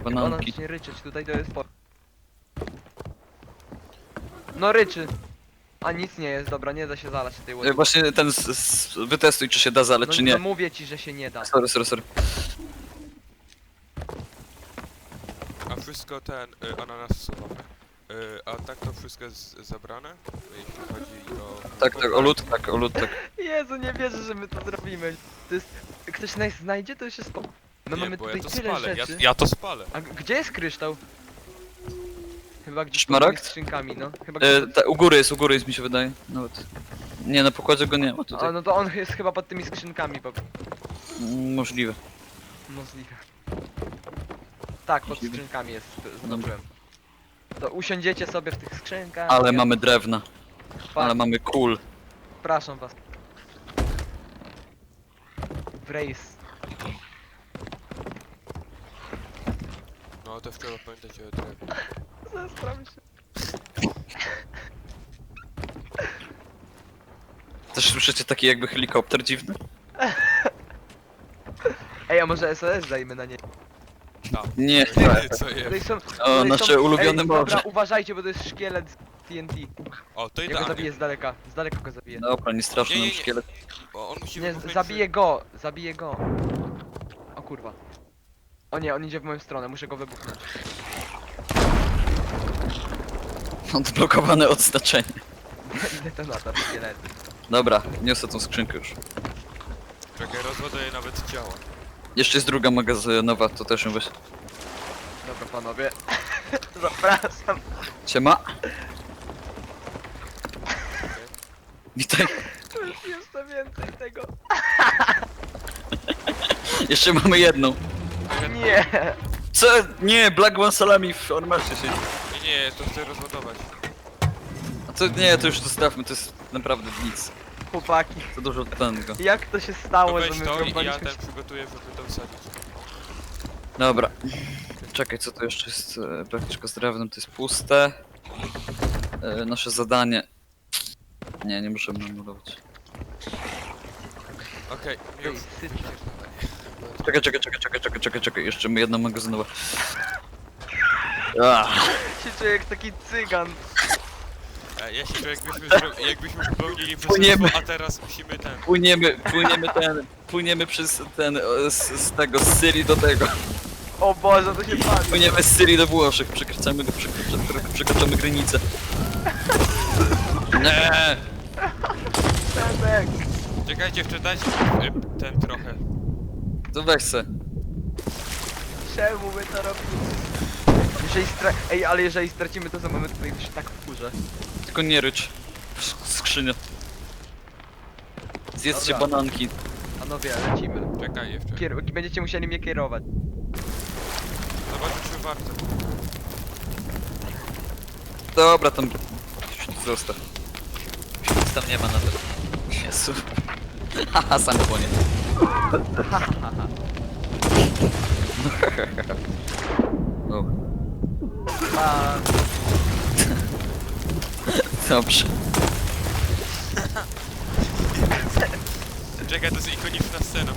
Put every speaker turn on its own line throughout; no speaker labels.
Bananki.
zacznie ryczeć, tutaj to jest No ryczy. A nic nie jest, dobra, nie da się zalać tej łodzi.
Właśnie ten wytestuj, czy się da zaleć,
No,
czy
no
nie.
mówię ci, że się nie da.
Sorry.
A wszystko ten, ananas surowe. A tak to wszystko jest zabrane? Jeśli chodzi o...
Tak, o lód, tak.
Jezu, nie wierzę, że my to zrobimy. To jest... Ktoś nas znajdzie, to już jest My
Nie,
mamy
bo
tutaj
ja to
tyle
spalę,
rzeczy.
ja to spalę.
A gdzie jest kryształ? Chyba gdzieś pod
Szmaragd?
tymi skrzynkami, no. Chyba gdzieś
U góry jest mi się wydaje. Nawet. Nie, na pokładzie go nie ma tutaj.
A, no to on jest chyba pod tymi skrzynkami,
Możliwe.
możliwe. Tak, pod
Możliwe.
skrzynkami jest, zobaczyłem. To usiądziecie sobie w tych skrzynkach.
Ale
ja-
mamy drewna. Ale mamy kul.
Przepraszam was. W rejs.
No to wczoraj pamiętacie o drewnie.
Zastram się.
Też słyszycie taki jakby helikopter dziwny?
Ej, a może SOS dajmy na nie.
Tak.
Nie,
Co jest?
Tutaj są...
O,
tutaj
nasze
są...
ulubione
Ej,
morze.
dobra, uważajcie, bo to jest szkielet z TNT.
O, to
Ja go
idealnie.
zabiję z daleka. Z daleka go zabiję.
Dobra, nie straszny
Nie,
nam
nie.
szkielet.
Bo on musi
Nie,
wybuchnąć
zabiję go, zabiję go. O kurwa. O nie, on idzie w moją stronę, muszę go wybuchnąć.
Odblokowane odznaczenie.
Detonator, szkielety.
Dobra, niosę tą skrzynkę już.
Czekaj, rozładuję nawet działa.
Jeszcze jest druga magazynowa, to też ją weź.
Dobra panowie. Zapraszam.
Siema. Witaj.
Tu jest jeszcze więcej tego.
Jeszcze mamy jedną.
Nie.
Co? Nie, Black One Salami w Ormasie siedzi.
Nie, to chcę rozładować.
A to nie, to już zostawmy, to jest naprawdę nic.
Chłopaki,
To dużo tego.
jak to się
To
stało, że
weź
my
to i ja
wrąbaliśmy
ten
się...
przygotuję, żeby to wsadzić.
Dobra. Czekaj, co to jeszcze jest? Praktycznie z drewnem, to jest puste. Nasze zadanie. Nie możemy anulować.
Okej,
Ej,
już.
sycie.
Czekaj, jeszcze my jedno magazynowe. Ah,
Się czuję jak taki cygan.
Ja się czuję jakbyśmy popełnili
Płyniemy.
przestępstwo, a teraz musimy ten...
płyniemy przez ten, z tego, z Syrii do tego.
O Boże, to się pali.
Płyniemy z Syrii do Włoszech, przekraczamy granicę. Nie.
Tadek.
Czekajcie, jeszcze dajcie ten trochę.
To weź se.
Czemu my to robimy? Ej, ale jeżeli stracimy to za moment, to się tak wkurzę.
Tylko nie rycz. Skrzynia. Zjedzcie
Dobra.
bananki.
Panowie, lecimy.
Czekaj jeszcze.
Będziecie musieli mnie kierować.
Zobaczmy, czy warto.
Dobra, tam... Zostaw. Nic tam nie ma na to. Jezu. Haha, sam płonie. No,
A,
dobrze.
Czekaj, to jest ikoniczna scena.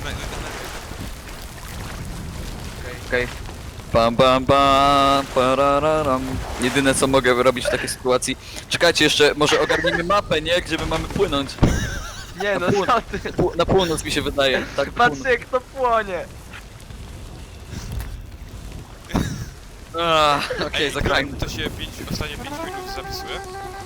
Okej. Bam, parararam. Jedyne co mogę robić w takiej sytuacji. Czekajcie jeszcze, może ogarnijmy mapę, nie? Gdzie my mamy płynąć?
nie no, co ty?
Na północ mi się wydaje. Tak, na
Patrzcie
północ.
jak to płonie.
Okej, zagrajmy.
To się ostatnie 5 minut zapisuje.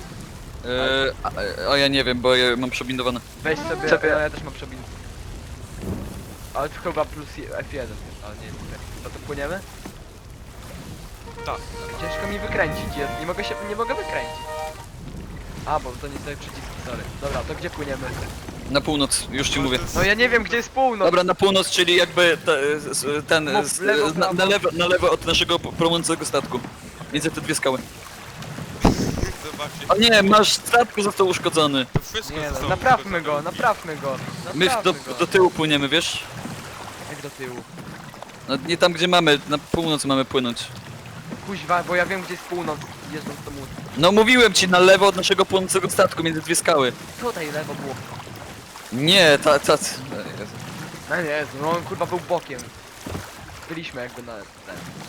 O ja nie wiem, bo ja mam przebindowane.
Weź sobie, ja też mam przebin. Ale to chyba plus F1, ale nie wiem. No to płyniemy?
Tak.
Ciężko mi wykręcić, ja nie mogę wykręcić. A, bo to nie sobie przyciski, sorry. Dobra, to gdzie płyniemy?
Na północ, już ci mówię.
No ja nie wiem gdzie jest północ.
Dobra, na północ, czyli jakby ten,
Mów, lewo, prawo.
na lewo od naszego płonącego statku. Między te dwie skały.
Zobaczcie.
O nie, nasz statku został uszkodzony.
To wszystko
Nie no,
zostało
naprawmy
przygotowane.
go, naprawmy go.
My
Naprawmy
do
go.
tyłu płyniemy, wiesz?
Jak do tyłu?
No, nie tam gdzie mamy, na północ mamy płynąć.
Kuźwa, bo ja wiem gdzie jest północ, jeżdżąc do łódź.
No mówiłem ci, na lewo od naszego płonącego statku, między dwie skały.
Tutaj lewo było.
Nie,
No nie, no on kurwa był bokiem. Byliśmy jakby na...